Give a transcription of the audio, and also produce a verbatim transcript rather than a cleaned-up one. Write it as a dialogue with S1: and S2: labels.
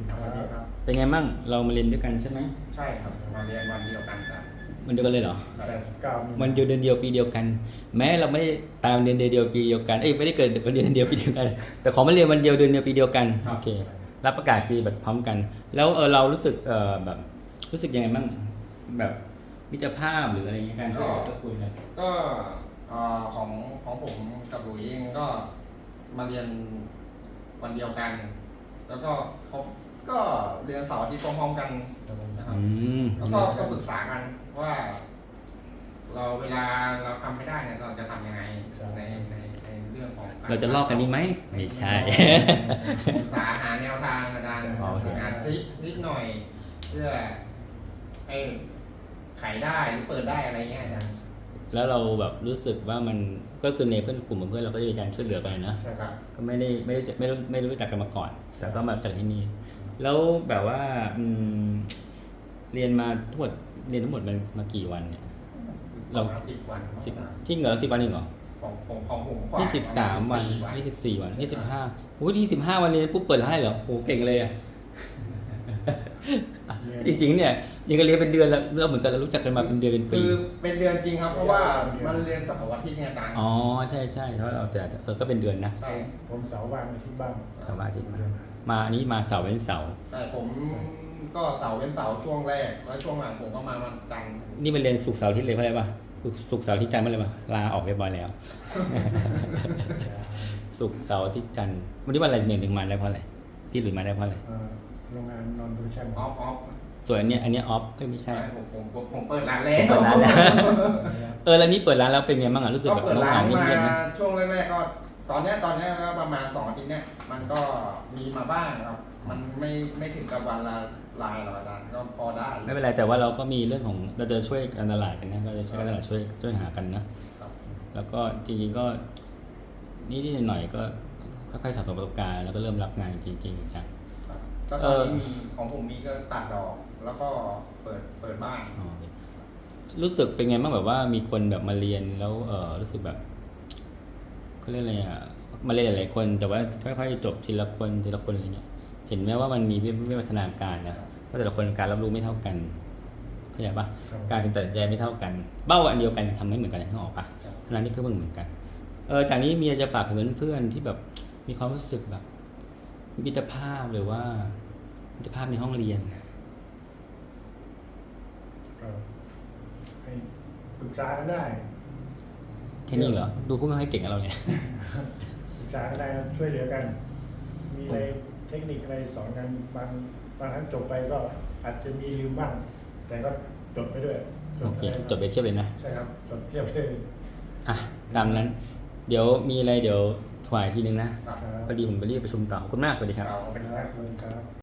S1: สวัสดีครับ
S2: เป็นไงมั่งเรามาเรียนด้วยกันใช่ไหม
S1: ใช่ครับมาเรียนวันเดียวกันครับ
S2: วันเดียวกันเลยเหรอ
S1: แปดสิบเก้ามี
S2: วันเดียวเดือนเดียวปีเดียวกัน แม้เราไม่ได้ตามเดือนเดียวปีเดียวกันเอ้ยไม่ได้เกิดวันเดียวเดือนเดียวปีเดียวกัน แต่ขอมาเรียนวันเดียวเดือนเดียวปีเดียวกันโอเครับประกาศซีแบบพร้อมกัน แล้วเออเรารู้สึกเออแบบรู้สึกยังไงบ้างแบบมิตรภาพหรืออะไรเงี้ยการช่วยเหลือสักคนกัน
S1: ก็เอ่อของของผมกับหลุยเองก็มาเรียนวันเดียวกัน แล้วก็เขาก็เรียนเสาร์อาทิตย์พร้อมๆกันนะครับ
S2: อืม
S1: แล้วก็ก็ปรึกษากันว่า เราเวลาเราทำไม่ได้เนี่ยเราจะทำยังไงในในในเรื่องของ
S2: เราจะลอกกันนี้ไหมไม่ใช่
S1: ปรึกษาหาแนวทางอาจารย์
S2: โอเค
S1: หาทริคนิดหน่อย เพื่อให้ขายได้หรือเปิดได้อะไรเงี้ยนะ
S2: แล้วเราแบบรู้สึกว่ามันก็คือในเพื่อนกลุ่มเพื่อนเราก็จะมีการช่วยเหลือกันนะ
S1: ใช่ครับ
S2: ก็ไม่ได้ไม่ได้ไม่รู้ไม่รู้จักกันมาก่อน แต่ก็มาจากที่นี่ แล้วแบบว่าอืมเรียนมาทั้งหมดเรียนทั้งหมดมันมากี่วันเนี่ย เรา
S1: ประมาณสิบวัน
S2: สิบจริงเหรอสิบวันเองเหรอ
S1: ของของของผมกว่า
S2: ยี่สิบสามวัน
S1: ประณ
S2: ยี่สิบสี่วันยี่สิบห้าโอ้ยยี่สิบห้าวันเรียนปุ๊บเปิดร้านเหรอโอ้เก่งเลยอ่ะ จริงๆเนี่ยยังก็เรียนเป็นเดือนแล้วเราเหมือนกันเรารู้จักกันมาเป็นเดือนเป็นปี
S1: คือเป็นเดือนจริงครับ เพราะว่ามันเรียนเสาร์อาทิตย์เนี่ยอาจารย์
S2: อ๋อใช่ใช่เพราะเราจะเออก็เป็นเดือนนะ
S1: ใช่
S3: ผมเสาร์ว่างอาที่บ้าน
S2: สามอาทิตย์มามาอันนี้มาเสาร์เว้นเสาร์
S1: แต่ผมก็เสาร์เป็นเสาร์ช่วงแรกแล้วช่วงหลังผมก็มาวันจันทร์
S2: นี่มันเรียนศุกร์เสาร์อาทิตย์เลยเพราะอะไรป่ะศุกร์เสาร์อาทิตย์จันทร์เมื่อไหร่ป่ะลาออกเรียบร้อยแล้ว ศุกร์เสาร์อาทิตย์จันทร์วันนี้วันอะไรหนึ่งหนึ่งมาได้เพราะอะไรพี่หลุยมาได้เพราะอะไร
S3: เอ่อโรงงานนอนโปรดักชั่น
S1: ออฟออฟ
S2: ส่วนอันเนี้ยอันเนี้ยออฟเอ้ยไม่ใช่
S1: ใช่ผมผมผมผมเปิดร้านแรก
S2: เปิดร้านแล้ว เออแล้วนี่เปิดร้านแล้วเป็นไงบ้างอ่ะรู้สึก
S1: ก็
S2: แบบ
S1: เปิด
S2: น้อง
S1: ร้า
S2: หาน
S1: มา
S2: เงียบๆไหม
S1: ช่วงแรกๆก็ ตอนเนี้ยตอนเนี้ยก็ประมาณสองอาทิตย์เนี้ยมันก็มีมาบ้างครับ มันไม่ไม่ถึงกับวันละลายหรอกอาจารย์ก็พอได้
S2: ไม่เป็นไรแต่ว่าเราก็มีเรื่องของเราจะช่วยการตลาดกันนะเราจะช่วยการตลาดช่วยช่วยหากันนะ
S1: ครับ
S2: แล้วก็จริงๆก็นิดๆหน่อยๆก็ค่อยๆสะสมประสบการณ์แล้วก็เริ่มรับงานจริงๆจัง
S1: ครับก็ตอนนี้มีของผมมีก็ตัดดอก แล้วก็เปิดเปิดบ้าน
S2: อ๋อโอเครู้สึกเป็นไงบ้างแบบว่ามีคนแบบมาเรียนแล้วเออรู้สึกแบบเขาเรียกอะไรอ่ะมาเรียนหลายๆคน แต่ว่าค่อยๆจบทีละคนทีละคนอะไรเงี้ยเห็นไหมว่ามันมีวิวัฒนาการนะว่าแต่ละคนการรับรู้ไม่เท่ากันเข้าใจปะการตัดสินใจไม่เท่ากันเป้าอันเดียวกันทำไม่เหมือนกันนึกออกปะทั้งนั้นที่ก็เหมือนกันเออจากนี้มีอะไรจะฝากถึงเพื่อนๆที่แบบมีความรู้สึกแบบมิตรภาพหรือว่ามิตรภาพในห้องเรียน
S3: ก็ให้ปรึกษากันได้
S2: แค่นี้เหรอ ดูพูดไม่ค่อยเก่งกับเราเนี่ย
S3: ปรึกษากันได้ครับช่วยเหลือกัน มีอะไรเทคนิคอะไรสอนกันบางบางครั้งจบไปก็อาจจะมีลืมบ้าง แต่ก็จดไปด้วย
S2: โอเค
S3: ไป
S2: จบไปเทียบเลยนะ
S3: ใช่ครับจดเทียบเลย
S2: อ่ะ ตามนั้น เดี๋ยวมีอะไรเดี๋ยวถวายทีนึงนะ
S1: ครับ
S3: ครับ
S2: พอดีผมไปรีบประชุมต่อขอบคุณมาก สวัสดีครับ
S1: เราเป็น
S3: ครับสวัสดีครับ